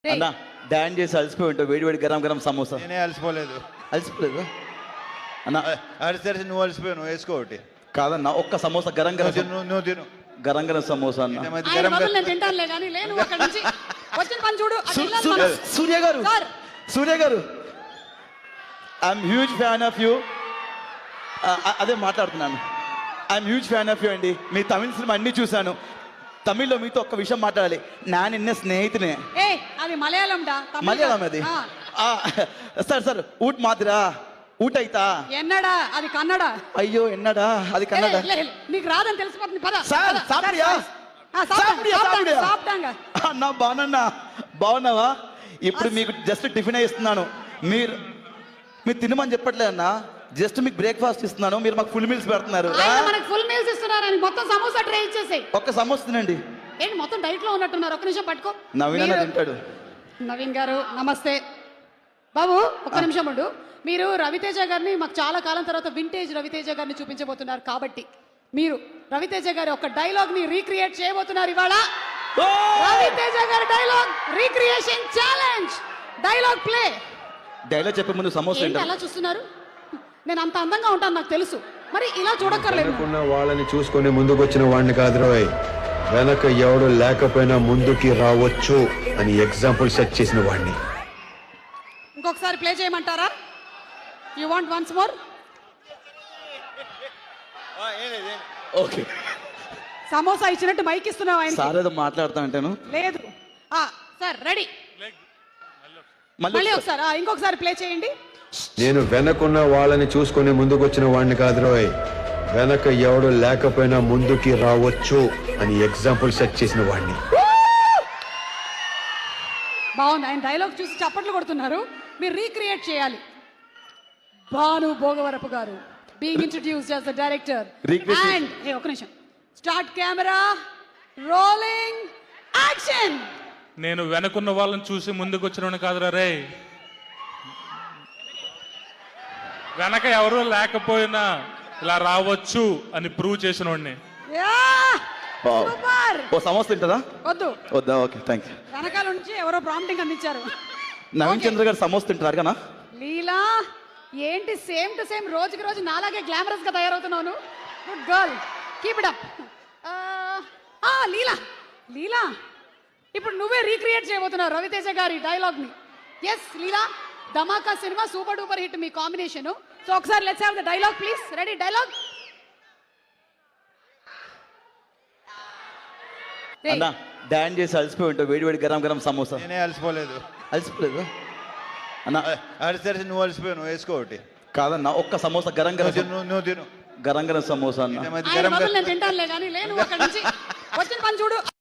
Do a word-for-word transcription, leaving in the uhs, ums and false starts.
అన్న డాన్ చేసి అలసిపోయి ఉంటావు, వేడి వేడి గరం గరం సమోసా. నేనే అలసిపోలేదు. అలసిపోలేదు అన్న. అడిసరిసి నువ్వు అలసిపోయావు, నువ్వు వేసుకో ఒకటి. కాదన్న, ఒక్క సమోసా గరం గరం నువ్వు తిను, నువ్వు తిను. గరం గరం సమోసా అన్న. ఈ మధ్య ఆయన గరం బదులు నేను తింటానులే కానీ లేను అక్కడి నుంచి వచ్చిన పని చూడు అటు సు- వెళ్ళాలి సు- మనం. సూర్య గారు సార్. సూర్య గారు I'm huge fan of you. అదే మాట్లాడుతున్నాను. I'm huge fan of you అండి. మీ తమిళ సినిమా అన్ని చూశాను. తమిళ్లో మీతో ఒక్క విషయం మాట్లాడాలి. నా నిన్న స్నేహితునే. ఏ అది మలయాళం డా తమిళ్ మలయాళం అది. ఆ. ఆ, సార్ సార్ ఊట్ మాదిరా ఊట అయితా. ఎన్నడా అది కన్నడ. అయ్యో ఎన్నడా అది ఏ, కన్నడ. లే, లే, నీకు రాదని తెలిసిపోతుంది పద సార్ పద, సాపిడియా సార్, ఆ, సాప్టాంగ, సాపిడియా సాప్టాంగ, సాపిడియా సాప్టాంగ. అన్నా బాగున్నా బాగున్నావా? ఇప్పుడు మీకు జస్ట్ టిఫిన్ ఇస్తున్నాను. మీరు మీరు తినమని చెప్పట్లే అన్న, జస్ట్ మీకు బ్రేక్ఫాస్ట్ ఇస్తున్నాను. మీరు మాకు ఫుల్ మీల్స్ పెడుతున్నారు. ఆయన మనకి ఫుల్ మీల్స్ ఇస్తున్నారని మొత్తం సమోసా ట్రై ఇచ్చేసేయ్. ఒక్క సమోసా తినండి. ఏంటి మొత్తం డైట్ లో ఉన్నట్టున్నారు, ఒక్క నిమిషం పట్టుకో. నవీన్ అన్న మీరు- తింటాడు. నవీన్ గారు నమస్తే. బాబు ఒక్క నిమిషం ఉండు. మీరు రవితేజ గారిని మాకు చాలా కాలం తర్వాత వింటేజ్ రవితేజ గారిని చూపించబోతున్నారు కాబట్టి మీరు రవితేజ గారి ఒక డైలాగ్ ని రీక్రియేట్ చేయబోతున్నారు ఇవాళ. ఓ! రవితేజ గారి dialogue recreation challenge. Dialogue play. Dialogue చెప్పే ముందు సమోసా ఏంటి తింటాం. అలా చూస్తున్నారు? నేను అంత అందంగా ఉంటాను నాకు తెలుసు, మరి ఇలా చూడక్కర్లేదు. వెనకున్న వాళ్ళని చూసుకొని ముందుకొచ్చిన వాడిని కాదు రోయ్, వెనక ఎవడు లేకపోయినా ముందుకి రావచ్చు అని ఎగ్జాంపుల్ సెట్ చేసిన వాడిని. ఇంకొకసారి ప్లే చేయమంటారా? You want once more? Okay samosa ఇచ్చినట్టు మైక్ ఇస్తున్నావు ఆయన. సార్ ఏదో మాట్లాడుతా అంటాను. లేదు ఆ, సార్ రెడీ. మళ్ళీ మళ్ళీ ఒకసారి ఆ, ఇంకొకసారి ప్లే చేయండి. నేను వెనకున్న వాళ్ళని చూసుకొని ముందుకొచ్చిన వాడిని కాదు రోయ్, వెనక ఎవడు లేకపోయినా ముందుకి రావచ్చు అని ఎగ్జాంపుల్ సెట్ చేసిన వాడిని. బాగుంది. ఆయన డైలాగ్ చూసి చప్పట్లు కొడుతున్నారు. మీరు రీక్రియేట్ చేయాలి. భాను భోగవరపు గారు being introduced as the director Recreate- and ఏ ఒక నిమిషం స్టార్ట్ కెమెరా రోలింగ్ యాక్షన్. నేను వెనకున్న వాళ్ళని చూసి ముందుకు వచ్చిన కాదురా రే, వెనక ఎవరు లేకపోయినా ఇలా రావచ్చు అని ప్రూవ్ చేసిన వాడిని. Yeah Wow. సూపర్. ఓ సమోసా తింటుందా? వద్దు, వద్దా? Okay thank you. వెనకాల నుంచి ఎవరో ప్రాంప్టింగ్ అందించారు. నవీన్ Okay. చంద్ర గారు సమోసా తింటారు కదా? లీలా ఏంటి సేమ్ టు సేమ్ రోజుకి రోజు నాలాగే గ్లామరస్ గా తయారవుతున్నాను. Good girl, keep it up. ఆ లీలా లీలా ఇప్పుడు నువ్వే రీక్రియేట్ చేయబోతున్నావు రవితేజ గారి డైలాగ్ ని. Yes Leela, Dhamaka cinema super duper hit మీ కాంబినేషన్. సో ఒకసారి let's have the dialogue please. Ready dialogue. అన్న డాన్ చేసి అలసిపోయి ఉంటావు, వేడి వేడి గరం గరం సమోసా. నేనే అలసిపోలేదు. అలసిపోలేదు అన్న. అడిసరిసి నువ్వు అలసిపోయావు, నువ్వు వేసుకో ఒకటి. కాదన్న, ఒక్క సమోసా గరం నువ్వు గరం తిను, నువ్వు- నువ్వు తిను. గరం గరం సమోసా ఈ అన్న. మధ్య ఆయన గరం బదులు గరం నేను తింటానులే కానీ లేను అక్కడి నుంచి వచ్చిన పని చూడు.